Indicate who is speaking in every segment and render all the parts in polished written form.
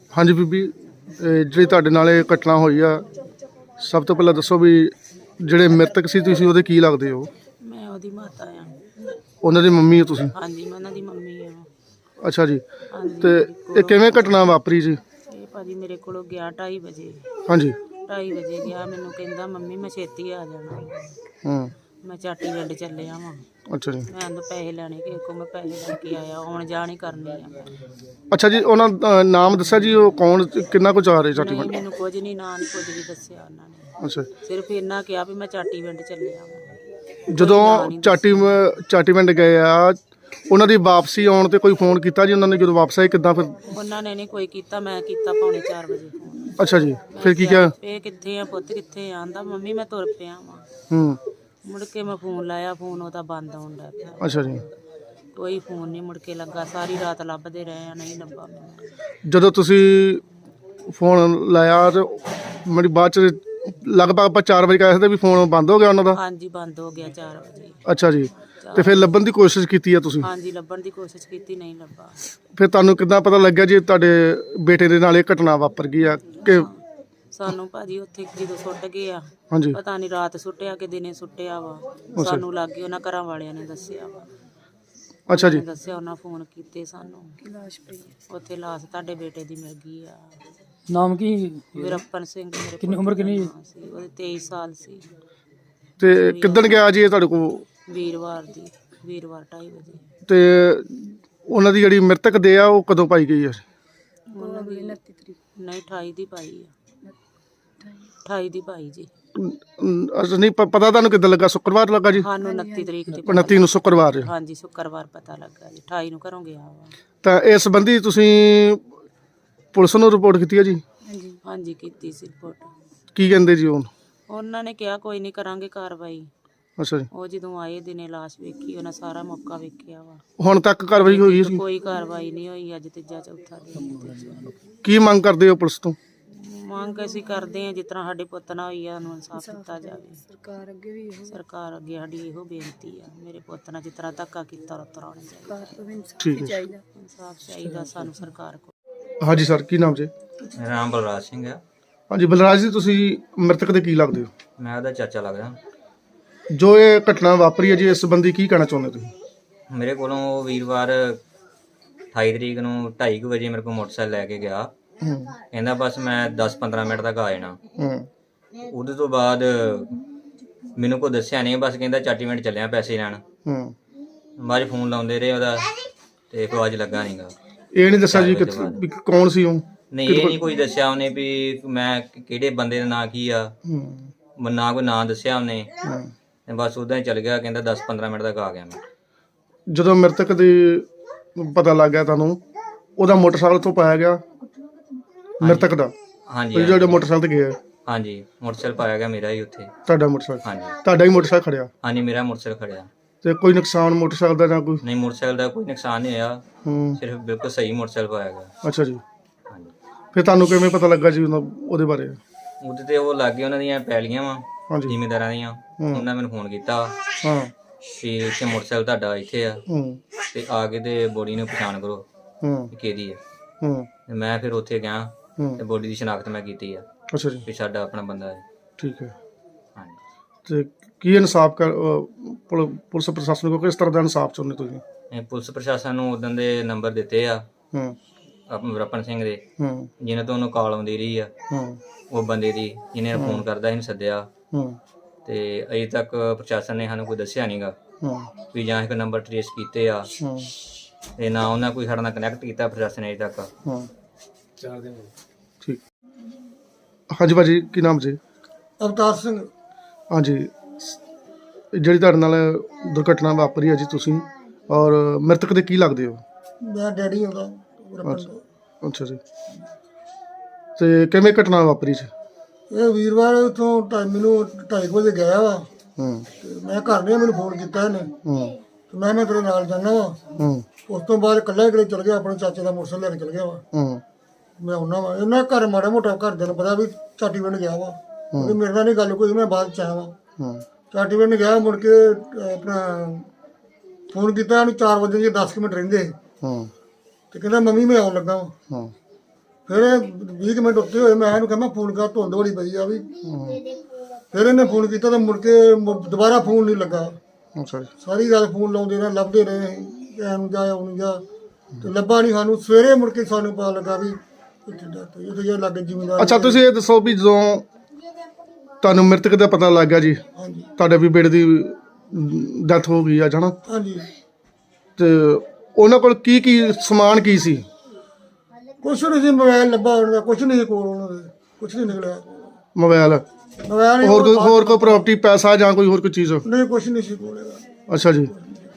Speaker 1: ਹਾਂਜੀ ਬੀਬੀ, ਜਿਹੜੀ ਤੁਹਾਡੇ ਨਾਲ ਇਹ ਘਟਨਾ ਹੋਈ ਆ, ਸਭ ਤੋਂ ਪਹਿਲਾਂ ਦੱਸੋ ਵੀ ਜਿਹੜੇ ਮ੍ਰਿਤਕ ਸੀ ਤੁਸੀਂ ਉਹਦੇ ਕੀ ਲੱਗਦੇ ਹੋ?
Speaker 2: ਮੈਂ ਉਹਦੀ ਮਾਤਾ ਆ।
Speaker 1: ਉਹਨਾਂ ਦੀ ਮੰਮੀ ਹੋ ਤੁਸੀਂ?
Speaker 2: ਹਾਂਜੀ, ਮੈਂ ਉਹਨਾਂ ਦੀ ਮੰਮੀ ਆ।
Speaker 1: ਅੱਛਾ ਜੀ।
Speaker 2: ਹਾਂਜੀ,
Speaker 1: ਤੇ ਇਹ ਕਿਵੇਂ ਘਟਨਾ ਵਾਪਰੀ ਜੀ?
Speaker 2: ਇਹ ਭਾਜੀ ਮੇਰੇ ਕੋਲੋਂ ਗਿਆ 2:30 ਵਜੇ।
Speaker 1: ਹਾਂਜੀ।
Speaker 2: 2:30 ਵਜੇ ਗਿਆ, ਮੈਨੂੰ ਕਹਿੰਦਾ ਮੰਮੀ ਮੈਂ ਛੇਤੀ ਆ ਜਾਣਾ।
Speaker 1: ਹੂੰ।
Speaker 2: ਮੈਂ ਚਾਟੀ ਪਿੰਡ ਚੱਲਿਆ ਵਾਂ।
Speaker 1: ਅੱਛਾ ਜੀ।
Speaker 2: ਮੈਂ ਉਹਨੂੰ ਪੈਸੇ ਲੈਣੇ, ਕਿਸੇ ਕੋਲ ਮੈਂ ਪੈਸੇ ਲੈ ਕੇ ਆਇਆ, ਆਉਣ ਜਾਣ ਹੀ ਕਰਨੀ ਆ ਮੈਂ।
Speaker 1: ਅੱਛਾ ਜੀ, ਉਹਨਾਂ ਦਾ ਨਾਮ ਦੱਸਿਆ ਜੀ? ਉਹ ਕੌਣ, ਕਿੰਨਾ ਕੁ ਚਾਹ ਰਹੇ ਚਾਟੀ
Speaker 2: ਨਹੀਂ,
Speaker 1: ਪਿੰਡ?
Speaker 2: ਮੈਨੂੰ ਕੁਝ ਨਹੀਂ, ਨਾਂ ਨਹੀਂ ਕੁਝ ਵੀ ਦੱਸਿਆ ਉਹਨਾਂ ਨੇ।
Speaker 1: ਅੱਛਾ।
Speaker 2: ਸਿਰਫ ਇੰਨਾ ਕਿਹਾ ਵੀ ਮੈਂ ਚਾਟੀ ਪਿੰਡ ਚੱਲਿਆ ਵਾਂ।
Speaker 1: ਜਦੋਂ ਚਾਟੀ ਪਿੰਡ ਗਏ ਆ, ਉਹਨਾਂ ਦੀ ਵਾਪਸੀ ਆਉਣ ਤੇ ਕੋਈ ਫੋਨ ਕੀਤਾ ਜੀ ਉਹਨਾਂ ਨੇ? ਜਦੋਂ ਵਾਪਸ ਆਏ ਕਿੱਦਾਂ ਫਿਰ?
Speaker 2: ਉਹਨਾਂ ਨੇ ਨਹੀਂ ਕੋਈ ਕੀਤਾ, ਮੈਂ ਕੀਤਾ 3:45 ਵਜੇ ਫੋਨ।
Speaker 1: ਅੱਛਾ ਜੀ, ਫਿਰ ਕੀ ਕਿਹਾ?
Speaker 2: ਇਹ ਕਿੱਥੇ ਆ ਪੁੱਤ, ਕਿੱਥੇ ਆ? ਆਂਦਾ ਮੰਮੀ ਮੈਂ ਤੁਰ ਪਿਆ ਵਾਂ।
Speaker 1: ਹੂੰ।
Speaker 2: ਮੁੜ ਕੇ ਮੈਂ ਫੋਨ ਲਾਇਆ, ਫੋਨ ਉਹਦਾ ਬੰਦ ਹੋਣ ਲੱਗ ਪਿਆ।
Speaker 1: ਅੱਛਾ ਜੀ।
Speaker 2: ਕੋਈ ਫੋਨ ਨਹੀਂ ਮੁੜ ਕੇ ਲੱਗਾ, ਸਾਰੀ ਰਾਤ ਲੱਭਦੇ ਰਹੇ ਆ, ਨਹੀਂ ਲੱਭਾ ਮੈਨੂੰ।
Speaker 1: ਜਦੋਂ ਤੁਸੀਂ ਫੋਨ ਲਾਇਆ ਤੇ ਮੇਰੀ ਬਾਅਦ ਚ ਲਗਭਗ ਆਪਾਂ 4 ਵਜੇ ਕਹਿ ਸਕਦੇ ਵੀ ਫੋਨ ਬੰਦ ਹੋ ਗਿਆ ਉਹਨਾਂ ਦਾ?
Speaker 2: ਹਾਂਜੀ, ਬੰਦ ਹੋ ਗਿਆ 4 ਵਜੇ।
Speaker 1: ਅੱਛਾ ਜੀ। ਤੇ ਫਿਰ ਲੱਭਣ ਦੀ ਕੋਸ਼ਿਸ਼ ਕੀਤੀ ਆ ਤੁਸੀਂ?
Speaker 2: ਹਾਂਜੀ, ਲੱਭਣ ਦੀ ਕੋਸ਼ਿਸ਼ ਕੀਤੀ, ਨਹੀਂ ਲੱਭਾ।
Speaker 1: ਫਿਰ ਤੁਹਾਨੂੰ ਕਿੱਦਾਂ ਪਤਾ ਲੱਗਿਆ ਜੀ ਤੁਹਾਡੇ ਬੇਟੇ ਦੇ ਨਾਲ ਇਹ ਘਟਨਾ ਵਾਪਰ ਗਈ ਆ? ਕਿ
Speaker 2: ਸਾਨੂੰ ਭਾਜੀ ਉੱਥੇ ਜਦੋਂ ਸੁੱਟ ਗਏ ਆ,
Speaker 1: ਹਾਂਜੀ।
Speaker 2: ਪਤਾ ਨਹੀਂ ਰਾਤ ਸੁੱਟਿਆ ਕਿ ਦਿਨੇ ਸੁੱਟਿਆ ਵਾ। ਸਾਨੂੰ ਲੱਗ ਗਈ, ਉਹਨਾਂ ਘਰਾਂ ਵਾਲਿਆਂ ਨੇ ਦੱਸਿਆ ਵਾ।
Speaker 1: ਅੱਛਾ ਜੀ।
Speaker 2: ਦੱਸਿਆ, ਉਹਨਾਂ ਫੋਨ ਕੀਤੇ ਸਾਨੂੰ। ਲਾਸ਼ ਪਈ ਉੱਥੇ, ਲਾਸ਼ ਤੁਹਾਡੇ ਬੇਟੇ ਦੀ ਮਿਲ ਗਈ ਆ।
Speaker 3: ਨਾਮ ਕੀ?
Speaker 2: ਵੀਰੱਪਨ ਸਿੰਘ। ਮੇਰੇ
Speaker 3: ਕਿੰਨੀ ਉਮਰ ਕਿੰਨੀ
Speaker 2: ਸੀ ਉਹਦੀ? 23 ਸਾਲ ਸੀ।
Speaker 1: ਤੇ ਕਿੱਦਣ ਗਿਆ ਜੀ ਇਹ ਤੁਹਾਡੇ ਕੋਲ?
Speaker 2: ਵੀਰਵਾਰ 2:30 ਵਜੇ।
Speaker 1: ਤੇ ਉਹਨਾਂ ਦੀ ਜਿਹੜੀ ਮ੍ਰਿਤਕ ਦੇ ਆ ਉਹ ਕਦੋਂ ਪਾਈ ਗਈ ਆ?
Speaker 2: ਉਹਨਾਂ ਦੀ 29 ਤਰੀਕ। ਨਹੀਂ, 28 ਦੀ ਪਾਈ ਆ। 28 ਦੀ ਪਾਈ ਜੀ।
Speaker 1: ਅੱਛਾ, ਨਹੀਂ ਪਤਾ ਤੁਹਾਨੂੰ ਕਿੱਦਾਂ ਲੱਗਾ? ਸ਼ੁੱਕਰਵਾਰ ਲੱਗਾ ਜੀ?
Speaker 2: ਸਾਨੂੰ 29 ਤਰੀਕ ਦੀ।
Speaker 1: 29 ਨੂੰ ਸ਼ੁੱਕਰਵਾਰ।
Speaker 2: ਹਾਂਜੀ, ਸ਼ੁੱਕਰਵਾਰ ਪਤਾ ਲੱਗਾ ਜੀ। 28 ਨੂੰ ਘਰੋਂ ਗਿਆ ਵਾ।
Speaker 1: ਤਾਂ ਇਸ ਸੰਬੰਧੀ ਤੁਸੀਂ ਪੁਲਿਸ ਨੂੰ ਰਿਪੋਰਟ ਕੀਤੀ ਹੈ ਜੀ?
Speaker 2: ਹਾਂਜੀ, ਕੀਤੀ ਸੀ ਰਿਪੋਰਟ।
Speaker 1: ਕੀ ਕਹਿੰਦੇ ਜੀ ਉਹ?
Speaker 2: ਉਹਨਾਂ ਨੇ ਕਿਹਾ ਕੋਈ ਨਹੀਂ, ਕਰਾਂਗੇ ਕਾਰਵਾਈ।
Speaker 1: ਅੱਛਾ ਜੀ।
Speaker 2: ਉਹ ਜਦੋਂ ਆਏ ਦਿਨੇ ਲਾਸ਼ ਵੇਖੀ, ਉਹਨਾਂ ਸਾਰਾ ਮੌਕਾ ਵੇਖਿਆ ਵਾ।
Speaker 1: ਹੁਣ ਤੱਕ ਕਾਰਵਾਈ ਹੋਈ ਹੈ?
Speaker 2: ਕੋਈ ਕਾਰਵਾਈ ਨਹੀਂ ਹੋਈ। ਅੱਜ ਤੀਜਾ ਚੌਥਾ ਦਿਨ।
Speaker 1: ਕੀ ਮੰਗ ਕਰਦੇ ਹੋ ਪੁਲਿਸ ਤੋਂ?
Speaker 2: ਮੰਗ ਅਸੀਂ ਕਰਦੇ ਹਾਂ ਜਿਸ ਤਰ੍ਹਾਂ ਸਾਡੇ ਪੁੱਤ ਨਾਲ ਹੋਈ ਆ, ਉਹਨੂੰ ਇਨਸਾਫ ਦਿੱਤਾ ਜਾਵੇ। ਸਰਕਾਰ ਅੱਗੇ ਸਾਡੀ ਇਹੋ ਬੇਨਤੀ ਆ, ਮੇਰੇ ਪੁੱਤ ਨਾਲ ਜਿਸ ਤਰ੍ਹਾਂ ਧੱਕਾ ਕੀਤਾ ਉਸ ਤਰ੍ਹਾਂ ਹੋਣਾ ਚਾਹੀਦਾ।
Speaker 1: ਠੀਕ ਹੈ।
Speaker 2: ਇਨਸਾਫ ਚਾਹੀਦਾ ਸਾਨੂੰ ਸਰਕਾਰ ਕੋਲ।
Speaker 1: ਹਾਂਜੀ ਸਰ, ਕੀ ਨਾਮ ਜੀ?
Speaker 4: ਮੇਰਾ ਨਾਮ ਬਲਰਾਜ ਸਿੰਘ ਹੈ।
Speaker 1: ਹਾਂਜੀ ਬਲਰਾਜ ਜੀ, ਤੁਸੀਂ ਮ੍ਰਿਤਕ ਦੇ ਕੀ ਲੱਗਦੇ ਹੋ?
Speaker 4: ਮੈਂ ਉਹਦਾ ਚਾਚਾ ਲੱਗਦਾ।
Speaker 1: ਜੋ ਇਹ ਘਟਨਾ ਵਾਪਰੀ ਹੈ ਜੀ, ਇਸ ਸੰਬੰਧੀ ਕੀ ਕਹਿਣਾ ਚਾਹੁੰਦੇ ਤੁਸੀਂ?
Speaker 4: ਮੇਰੇ ਕੋਲੋਂ ਵੀਰਵਾਰ 28 ਤਰੀਕ ਨੂੰ 2:30 ਵਜੇ ਮੇਰੇ ਕੋਲ ਮੋਟਰਸਾਈਕਲ ਲੈ ਕੇ ਗਿਆ। ਕਹਿੰਦਾ ਬਸ ਮੈਂ 10-15 ਮਿੰਟ ਤੱਕ ਆ ਜਾਣਾ। ਉਹਦੇ ਤੋਂ ਬਾਅਦ ਮੈਨੂੰ ਕੋਈ ਦੱਸਿਆ ਨਹੀਂ, ਬਸ ਕਹਿੰਦਾ ਚਾਟੀ ਮਿੰਟ ਚੱਲਿਆ ਪੈਸੇ ਲੈਣ। ਬਾਅਦ ਫੋਨ ਲਾਉਂਦੇ ਰਹੇ ਉਹਦਾ, ਤੇ ਕੋਈ ਅੱਜ ਲੱਗਾ ਨਹੀਂਗਾ।
Speaker 1: ਇਹ ਨਹੀਂ ਦੱਸਿਆ ਜੀ ਵੀ ਕੌਣ ਸੀ ਉਹ?
Speaker 4: ਨਹੀਂ, ਇਹ ਨਹੀਂ ਕੋਈ ਦੱਸਿਆ ਉਹਨੇ ਵੀ ਮੈਂ ਕਿਹੜੇ ਬੰਦੇ ਦਾ ਨਾਂ ਕੀ ਆ, ਨਾ ਕੋਈ ਨਾਂ ਦੱਸਿਆ ਉਹਨੇ। ਤੇ ਬਸ ਉਦਾਂ ਹੀ ਚੱਲ ਗਿਆ, ਕਹਿੰਦਾ 10-15 ਮਿੰਟ ਤੱਕ ਆ ਗਿਆ ਮੈਂ।
Speaker 1: ਜਦੋਂ ਮ੍ਰਿਤਕ ਦੀ ਪਤਾ ਲੱਗ ਗਿਆ ਤੁਹਾਨੂੰ, ਉਹਦਾ ਮੋਟਰਸਾਈਕਲ ਤੋਂ ਪਾਇਆ ਗਿਆ ਮ੍ਰਿਤਕ ਦਾ?
Speaker 4: ਹਾਂਜੀ,
Speaker 1: ਜਿਹੜਾ ਮੋਟਰਸਾਈਕਲ ਤੇ ਗਿਆ?
Speaker 4: ਹਾਂਜੀ, ਮੋਟਰਸਾਈਕਲ ਪਾਇਆ ਗਿਆ ਮੇਰਾ ਹੀ ਉੱਥੇ।
Speaker 1: ਤੁਹਾਡਾ ਮੋਟਰਸਾਈਕਲ?
Speaker 4: ਹਾਂਜੀ,
Speaker 1: ਤੁਹਾਡਾ ਹੀ ਮੋਟਰਸਾਈਕਲ ਖੜਿਆ?
Speaker 4: ਹਾਂਜੀ, ਮੇਰਾ ਮੋਟਰਸਾਈਕਲ ਖੜਿਆ।
Speaker 1: ਤੇ ਕੋਈ ਨੁਕਸਾਨ ਮੋਟਰਸਾਈਕਲ ਦਾ ਜਾਂ ਕੋਈ?
Speaker 4: ਨਹੀਂ, ਮੋਟਰਸਾਈਕਲ ਦਾ ਕੋਈ ਨੁਕਸਾਨ ਨਹੀਂ ਹੋਇਆ, ਸਿਰਫ ਬਿਲਕੁਲ ਸਹੀ ਮੋਟਰਸਾਈਕਲ ਪਾਇਆ ਗਿਆ।
Speaker 1: ਅੱਛਾ ਜੀ।
Speaker 4: ਹਾਂਜੀ।
Speaker 1: ਫਿਰ ਤੁਹਾਨੂੰ ਕਿਵੇਂ ਪਤਾ ਲੱਗਾ ਜੀ ਉਹਦੇ ਬਾਰੇ?
Speaker 4: ਉਹਦੇ ਤੇ ਉਹ ਲੱਗ ਗਏ, ਉਹਨਾਂ ਦੀਆਂ ਪੈਲੀਆਂ ਵਾ
Speaker 1: ਹਾਂਜੀ।
Speaker 4: ਜ਼ਿਮੀਂਦਾਰਾਂ ਦੀਆਂ। ਉਹਨਾਂ ਮੈਨੂੰ ਫੋਨ ਕੀਤਾ
Speaker 1: ਹਾਂ
Speaker 4: ਵੀ ਇੱਥੇ ਮੋਟਰਸਾਈਕਲ ਤੁਹਾਡਾ ਇੱਥੇ ਆ, ਤੇ ਆ ਕੇ ਤੇ ਬੋਡੀ ਨੂੰ ਪਛਾਣ ਕਰੋ ਕਿ ਕਿਹਦੀ ਹੈ। ਤੇ ਮੈਂ ਫਿਰ ਉੱਥੇ ਗਿਆ ਤੇ ਬੋਡੀ ਦੀ ਸ਼ਨਾਖਤ ਮੈਂ ਕੀਤੀ ਆ।
Speaker 1: ਅੱਛਾ ਜੀ।
Speaker 4: ਵੀ ਸਾਡਾ ਆਪਣਾ ਬੰਦਾ ਹੈ।
Speaker 1: ਠੀਕ ਹੈ।
Speaker 4: ਹਾਂਜੀ।
Speaker 1: ਤੇ ਕੀ ਇਨਸਾਫ ਪੁਲਿਸ ਪ੍ਰਸ਼ਾਸਨ ਕੋਲ ਕਿਸ ਤਰ੍ਹਾਂ ਦਾ ਇਨਸਾਫ ਚਾਹੁੰਦੇ ਤੁਸੀਂ?
Speaker 4: ਇਹ ਪੁਲਿਸ ਪ੍ਰਸ਼ਾਸਨ ਨੂੰ ਉਦੋਂ ਦੇ ਨੰਬਰ ਦਿੱਤੇ ਆ ਆਪਣੇ ਵੀਰੱਪਨ ਸਿੰਘ ਦੇ, ਜਿਹਨਾਂ ਤੋਂ ਉਹਨੂੰ ਕਾਲ ਆਉਂਦੀ ਰਹੀ ਆ, ਉਹ ਬੰਦੇ ਦੀ ਜਿਹਨੇ ਫੋਨ ਕਰਦਾ ਇਹਨੂੰ ਸੱਦਿਆ। ਤੇ ਅਜੇ ਤੱਕ ਪ੍ਰਸ਼ਾਸਨ ਨੇ ਸਾਨੂੰ ਕੋਈ ਦੱਸਿਆ ਨਹੀਂਗਾ ਵੀ ਜਾਂ ਇੱਕ ਨੰਬਰ ਟ੍ਰੇਸ ਕੀਤੇ ਆ, ਤੇ ਨਾ ਉਹਨਾਂ ਕੋਈ ਸਾਡੇ ਨਾਲ ਕਨੈਕਟ ਕੀਤਾ ਪ੍ਰਸ਼ਾਸਨ ਅਜੇ ਤੱਕ।
Speaker 3: 4 ਦਿਨ।
Speaker 1: ਠੀਕ। ਹਾਂਜੀ ਭਾਜੀ, ਕੀ ਨਾਮ ਜੀ?
Speaker 5: ਅਵਤਾਰ ਸਿੰਘ।
Speaker 1: ਹਾਂਜੀ, ਜਿਹੜੀ ਤੁਹਾਡੇ ਨਾਲ ਦੁਰਘਟਨਾ ਵਾਪਰੀ ਹੈ ਜੀ, ਤੁਸੀਂ ਔਰ ਮ੍ਰਿਤਕ ਦੇ ਕੀ ਲੱਗਦੇ ਹੋ?
Speaker 5: ਮੈਂ ਡੈਡੀ ਹੁੰਦਾ।
Speaker 1: ਅੱਛਾ ਜੀ। ਤੇ ਕਿਵੇਂ ਘਟਨਾ ਵਾਪਰੀ ਜੀ?
Speaker 5: ਇਹ ਵੀਰਵਾਰ ਉੱਥੋਂ ਮੈਨੂੰ 2:30 ਵਜੇ ਗਿਆ ਵਾ। ਤੇ ਮੈਂ ਘਰ ਨਹੀਂ, ਮੈਨੂੰ ਫੋਨ ਕੀਤਾ ਇਹਨੇ। ਤੇ ਮੈਂ ਤੇਰੇ ਨਾਲ ਜਾਣਾ ਵਾ। ਉਸ ਤੋਂ ਬਾਅਦ ਇਕੱਲਾ ਹੀ ਚਲ ਗਿਆ, ਆਪਣੇ ਚਾਚੇ ਦਾ ਮੋਟਰਸਾਈਕਲ ਲੈ ਕੇ ਚਲ ਗਿਆ ਵਾ। ਮੈਂ ਆਉਣਾ ਵਾ, ਇਹਨਾਂ ਘਰ ਮਾੜਾ ਮੋਟਾ ਘਰਦਿਆਂ ਨੂੰ ਪਤਾ ਵੀ ਚਾਟੀ ਪਿੰਡ ਗਿਆ ਵਾ। ਉਹਦੀ ਮੇਰੇ ਨਾਲ ਨਹੀਂ ਗੱਲ ਕੋਈ, ਮੈਂ ਬਾਅਦ ਚ ਆਇਆ ਵਾ। ਚਾਟੀ ਪਿੰਡ ਗਿਆ, ਮੁੜ ਕੇ ਆਪਣਾ ਫੋਨ ਕੀਤਾ ਉਹਨੂੰ 4 ਵਜੇ 10 ਮਿੰਟ ਰਹਿੰਦੇ। ਤੇ ਕਹਿੰਦਾ ਮੰਮੀ ਮੈਂ ਆਉਣ ਲੱਗਾ ਵਾ। ਫਿਰ 20 ਕੁ ਮਿੰਟ ਉੱਤੇ ਹੋਏ, ਮੈਂ ਇਹਨੂੰ ਕਿਹਾ ਮੈਂ ਫੋਨ ਕਰ, ਧੁੰਦ ਬੜੀ ਪਈ ਆ ਵੀ। ਫਿਰ ਇਹਨੇ ਫੋਨ ਕੀਤਾ ਤਾਂ ਮੁੜ ਕੇ ਦੁਬਾਰਾ ਫੋਨ ਨਹੀਂ ਲੱਗਾ।
Speaker 1: ਅੱਛਾ ਜੀ।
Speaker 5: ਸਾਰੀ ਰਾਤ ਫੋਨ ਲਾਉਂਦੇ ਰਹੇ, ਲੱਭਦੇ ਰਹੇ ਅਸੀਂ, ਐਨੂੰ ਜਾ ਆਉਣੀ ਜਾ, ਤੇ ਲੱਭਾ ਨਹੀਂ ਸਾਨੂੰ। ਸਵੇਰੇ ਮੁੜ ਕੇ ਸਾਨੂੰ ਪਤਾ ਲੱਗਾ ਵੀ ਇੱਥੇ ਡੈਥ ਹੋਈ, ਇਹ ਲੱਗੇ ਜ਼ਿਮੀਂਦਾਰ।
Speaker 1: ਅੱਛਾ, ਤੁਸੀਂ ਇਹ ਦੱਸੋ ਵੀ ਜਦੋਂ ਤੁਹਾਨੂੰ ਮ੍ਰਿਤਕ ਦਾ ਪਤਾ ਲੱਗ ਗਿਆ ਜੀ,
Speaker 5: ਹਾਂਜੀ
Speaker 1: ਤੁਹਾਡੇ ਵੀ ਬੇਟੇ ਦੀ ਡੈਥ ਹੋ ਗਈ ਆ ਜਾਣਾ,
Speaker 5: ਹਾਂਜੀ।
Speaker 1: ਤੇ ਉਹਨਾਂ ਕੋਲ ਕੀ ਕੀ ਸਮਾਨ ਕੀ ਸੀ?
Speaker 5: ਕੁਛ ਨਹੀਂ ਸੀ, ਮੋਬਾਈਲ ਲੱਭਾ ਉਹਨਾਂ ਦਾ, ਕੁਛ ਨਹੀਂ ਕੋਲ ਉਹਨਾਂ ਦੇ, ਕੁਛ ਨਹੀਂ ਨਿਕਲਿਆ
Speaker 1: ਮੋਬਾਈਲ,
Speaker 5: ਮੋਬਾਈਲ
Speaker 1: ਹੋਰ ਕੋਈ ਪ੍ਰਾਪਰਟੀ, ਪੈਸਾ ਜਾਂ ਕੋਈ ਹੋਰ ਕੋਈ ਚੀਜ਼?
Speaker 5: ਨਹੀਂ, ਕੁਛ ਨਹੀਂ ਸੀ ਕੋਲ ਇਹਦਾ।
Speaker 1: ਅੱਛਾ ਜੀ।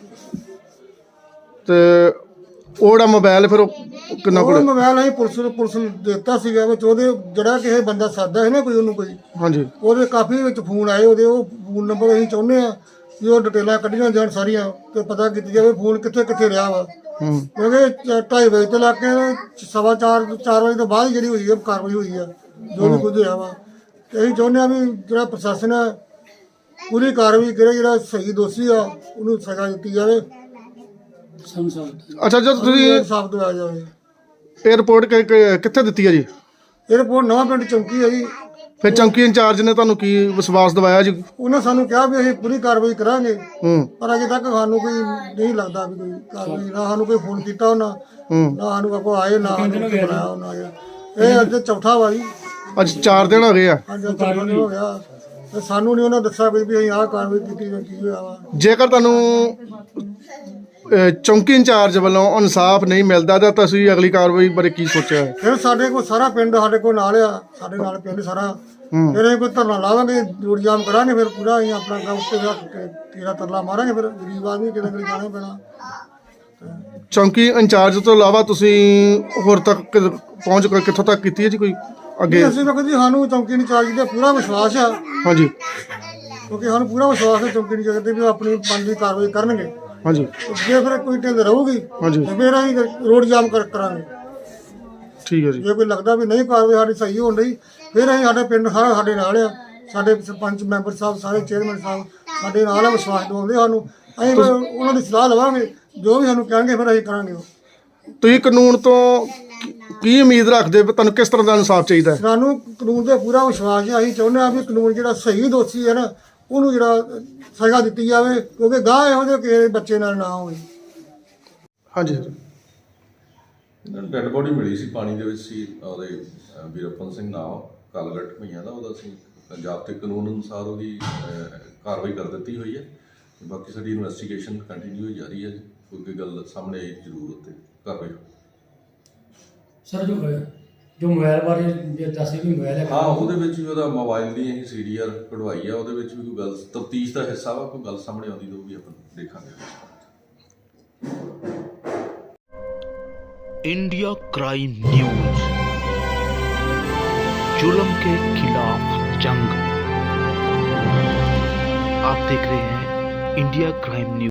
Speaker 1: ਤੇ ਉਹ ਜਿਹੜਾ ਮੋਬਾਈਲ ਫਿਰ ਉਹ ਕਿੰਨਾ
Speaker 5: ਉਹ
Speaker 1: ਕੋਲ?
Speaker 5: ਮੋਬਾਈਲ ਅਸੀਂ ਪੁਲਿਸ ਨੂੰ ਦਿੱਤਾ ਸੀਗਾ, ਵਿੱਚ ਉਹਦੇ ਜਿਹੜਾ ਕਿਸੇ ਬੰਦਾ ਸਾਦਾ ਹੈ ਨਾ ਕੋਈ, ਉਹਨੂੰ ਕੋਈ,
Speaker 1: ਹਾਂਜੀ।
Speaker 5: ਉਹਦੇ ਕਾਫੀ ਵਿੱਚ ਫੋਨ ਆਏ ਉਹਦੇ, ਉਹ ਫੋਨ ਨੰਬਰ ਅਸੀਂ ਚਾਹੁੰਦੇ ਆ ਕਿ ਉਹ ਡਿਟੇਲਾਂ ਕੱਢੀਆਂ ਜਾਣ ਸਾਰੀਆਂ, ਤੇ ਪਤਾ ਕੀਤੀ ਜਾਵੇ ਫੋਨ ਕਿੱਥੇ ਕਿੱਥੇ ਰਿਹਾ ਵਾ। ਕਿਉਂਕਿ 2:30 ਵਜੇ ਤੋਂ ਲੱਗ ਕੇ 4:15 ਵਜੇ ਤੋਂ ਬਾਅਦ ਜਿਹੜੀ ਹੋਈ ਹੈ ਕਾਰਵਾਈ ਹੋਈ ਆ, ਜੋ ਵੀ ਕੁਝ ਹੋਇਆ ਵਾ। ਤੇ ਅਸੀਂ ਚਾਹੁੰਦੇ ਆ ਵੀ ਜਿਹੜਾ ਪ੍ਰਸ਼ਾਸਨ ਹੈ ਪੂਰੀ ਕਾਰਵਾਈ ਕਰੇ, ਜਿਹੜਾ ਸਹੀ ਦੋਸ਼ੀ ਆ ਉਹਨੂੰ ਸਜ਼ਾ ਦਿੱਤੀ ਜਾਵੇ,
Speaker 1: ਅੱਛਾ, ਜਦ ਤੁਸੀਂ
Speaker 5: ਸਾਫ਼ ਦਵਾਇਆ ਜਾਵੇ।
Speaker 1: ਇਹ ਰਿਪੋਰਟ ਕਿੱਥੇ ਦਿੱਤੀ ਹੈ ਜੀ?
Speaker 5: ਇਹ ਰਿਪੋਰਟ ਨਵਾਂ ਪਿੰਡ ਚੌਂਕੀ ਹੈ ਜੀ।
Speaker 1: ਫਿਰ ਚੌਂਕੀ ਇੰਚਾਰਜ ਨੇ ਤੁਹਾਨੂੰ ਕੀ ਵਿਸ਼ਵਾਸ ਦਿਵਾਇਆ ਜੀ?
Speaker 5: ਉਹਨਾਂ ਸਾਨੂੰ ਕਿਹਾ ਵੀ ਅਸੀਂ ਪੂਰੀ ਕਾਰਵਾਈ ਕਰਾਂਗੇ,
Speaker 1: ਹੂੰ
Speaker 5: ਪਰ ਅਜੇ ਤੱਕ ਸਾਨੂੰ ਕੋਈ ਨਹੀਂ ਲੱਗਦਾ ਵੀ ਕੋਈ ਕਾਰਵਾਈ, ਨਾ ਸਾਨੂੰ ਕੋਈ ਫੋਨ ਕੀਤਾ ਉਹਨਾਂ, ਨਾ ਸਾਨੂੰ ਕੋਈ ਆਏ, ਨਾ ਸਾਨੂੰ ਕੋਈ ਬੁਲਾਇਆ ਉਹਨਾਂ ਨੇ। ਇਹ ਅੱਜ ਚੌਥਾ ਵਾ ਜੀ,
Speaker 1: ਅੱਜ 4 ਦਿਨ ਹੋ ਗਏ ਆ।
Speaker 5: ਅੱਜ ਚੌਥਾ ਦਿਨ ਹੋ ਗਿਆ, ਤੇ ਸਾਨੂੰ ਨਹੀਂ ਉਹਨਾਂ ਦੱਸਿਆ ਵੀ ਅਸੀਂ ਆਹ ਕਾਰਵਾਈ ਕੀਤੀ ਜਾਂ ਕੀ ਹੋਇਆ ਵਾ।
Speaker 1: ਜੇਕਰ ਤੁਹਾਨੂੰ ਚੌਂਕੀ ਇੰਚਾਰਜ ਵੱਲੋਂ ਇਨਸਾਫ ਨਹੀਂ ਮਿਲਦਾ ਤਾਂ ਤੁਸੀਂ ਅਗਲੀ ਕਾਰਵਾਈ ਬਾਰੇ ਕੀ ਸੋਚਿਆ ਹੈ?
Speaker 5: ਫਿਰ ਸਾਡੇ ਕੋਲ ਸਾਰਾ ਪਿੰਡ ਸਾਡੇ ਕੋਲ ਨਾਲ ਆ, ਸਾਡੇ ਨਾਲ ਪਿੰਡ ਸਾਰਾ, ਫਿਰ ਅਸੀਂ ਕੋਈ ਧਰਨਾ ਲਾਵਾਂਗੇ, ਰੋਡ ਜਾਮ ਕਰਾਂਗੇ, ਫਿਰ ਪੂਰਾ ਅਸੀਂ ਆਪਣਾ ਕੰਮ ਉੱਤੇ ਤੇਰਾ ਤਰਲਾ ਮਾਰਾਂਗੇ। ਫਿਰ ਗਰੀਬ ਆਦਮੀ ਕਿਤੇ ਕਿਤੇ ਜਾਣਾ ਪੈਣਾ।
Speaker 1: ਚੌਂਕੀ ਇੰਚਾਰਜ ਤੋਂ ਇਲਾਵਾ ਤੁਸੀਂ ਹੋਰ ਤੱਕ ਪਹੁੰਚ ਕਿੱਥੋਂ ਤੱਕ ਕੀਤੀ ਹੈ ਜੀ ਕੋਈ ਅੱਗੇ?
Speaker 5: ਅਸੀਂ ਤਾਂ ਕਹਿੰਦੇ ਸਾਨੂੰ ਚੌਂਕੀ ਇੰਚਾਰਜ ਤੇ ਪੂਰਾ ਵਿਸ਼ਵਾਸ ਆ,
Speaker 1: ਹਾਂਜੀ
Speaker 5: ਕਿਉਂਕਿ ਸਾਨੂੰ ਪੂਰਾ ਵਿਸ਼ਵਾਸ ਹੈ ਚੌਂਕੀ ਇੰਚਾਰਜ ਤੇ ਵੀ ਉਹ ਆਪਣੀ ਬਣਦੀ ਕਾਰਵਾਈ ਕਰਨਗੇ।
Speaker 1: ਹਾਂਜੀ
Speaker 5: ਜੇ ਫਿਰ ਕੋਈ ਢਿੱਲ ਰਹੂਗੀ
Speaker 1: ਹਾਂਜੀ,
Speaker 5: ਤੇ ਫਿਰ ਅਸੀਂ ਰੋਡ ਜਾਮ ਕਰਾਂਗੇ।
Speaker 1: ਠੀਕ ਹੈ ਜੀ।
Speaker 5: ਜੇ ਕੋਈ ਲੱਗਦਾ ਵੀ ਨਹੀਂ ਕਾਰਵਾਈ ਸਾਡੀ ਸਹੀ ਹੋਣ ਡਈ, ਫਿਰ ਅਸੀਂ, ਸਾਡੇ ਪਿੰਡ ਸਾਰਾ ਸਾਡੇ ਨਾਲ ਆ, ਸਾਡੇ ਸਰਪੰਚ ਮੈਂਬਰ ਸਾਹਿਬ, ਸਾਰੇ ਚੇਅਰਮੈਨ ਸਾਹਿਬ ਸਾਡੇ ਨਾਲ ਆ, ਵਿਸ਼ਵਾਸ ਦਿਵਾਉਂਦੇ ਸਾਨੂੰ। ਅਸੀਂ ਫਿਰ ਉਹਨਾਂ ਦੀ ਸਲਾਹ ਲਵਾਂਗੇ, ਜੋ ਵੀ ਸਾਨੂੰ ਕਹਿਣਗੇ ਫਿਰ ਅਸੀਂ ਕਰਾਂਗੇ।
Speaker 1: ਤੁਸੀਂ ਕਾਨੂੰਨ ਤੋਂ ਕੀ ਉਮੀਦ ਰੱਖਦੇ ਹੋ? ਤੁਹਾਨੂੰ ਕਿਸ ਤਰ੍ਹਾਂ ਦਾ ਇਨਸਾਫ ਚਾਹੀਦਾ ਹੈ?
Speaker 5: ਸਾਨੂੰ ਕਾਨੂੰਨ ਤੇ ਪੂਰਾ ਵਿਸ਼ਵਾਸ ਹੈ। ਅਸੀਂ ਚਾਹੁੰਦੇ ਹਾਂ ਵੀ ਕਾਨੂੰਨ ਜਿਹੜਾ ਸਹੀ ਦੋਸ਼ੀ ਹੈ ਨਾ, ਉਹਨੂੰ ਜਿਹੜਾ ਸਜ਼ਾ ਦਿੱਤੀ ਜਾਵੇ, ਕਿਉਂਕਿ ਗਾਹ ਇਹੋ ਜਿਹੇ ਕਿਸੇ ਬੱਚੇ ਨਾਲ ਨਾ ਹੋਵੇ।
Speaker 1: ਹਾਂਜੀ
Speaker 6: ਇਹਨਾਂ ਨੂੰ ਡੈੱਡ ਬੋਡੀ ਮਿਲੀ ਸੀ, ਪਾਣੀ ਦੇ ਵਿੱਚ ਸੀ। ਉਹਦੇ ਵੀਰਪਨ ਸਿੰਘ ਨਾਮ, ਕਾਲਗੜ੍ਹ ਭਈਆਂ ਦਾ ਉਹਦਾ ਸੀ। ਪੰਜਾਬ ਤੇ ਕਾਨੂੰਨ ਅਨੁਸਾਰ ਉਹਦੀ ਕਾਰਵਾਈ ਕਰ ਦਿੱਤੀ ਹੋਈ ਹੈ। ਬਾਕੀ ਸਾਡੀ ਇਨਵੈਸਟੀਗੇਸ਼ਨ ਕੰਟੀਨਿਊ ਹੋਈ ਜਾ ਰਹੀ ਹੈ ਜੀ। ਕੋਈ ਗੱਲ ਸਾਹਮਣੇ ਆਈ ਜ਼ਰੂਰ ਉੱਤੇ ਕਾਰਵਾਈ।
Speaker 3: ਸਰ ਜੋ ਮੋਬਾਈਲ ਬਾਰੇ ਜੇ ਦੱਸੇ ਵੀ ਮੋਬਾਈਲ ਹੈ,
Speaker 6: ਹਾਂ, ਉਹਦੇ ਵਿੱਚ ਵੀ ਉਹਦਾ ਮੋਬਾਈਲ ਦੀ ਅਸੀਂ CDR ਕਢਵਾਈ ਆ। ਉਹਦੇ ਵਿੱਚ ਵੀ ਕੋਈ ਗੱਲ ਤਫਤੀਸ਼ ਦਾ ਹਿੱਸਾ ਵਾ, ਕੋਈ ਗੱਲ ਸਾਹਮਣੇ ਆਉਂਦੀ ਤਾਂ ਉਹ ਵੀ ਆਪਾਂ ਦੇਖਾਂਗੇ।
Speaker 7: इंडिया क्राइम न्यूज, जुल्म के खिलाफ जंग। आप देख रहे हैं इंडिया क्राइम न्यूज।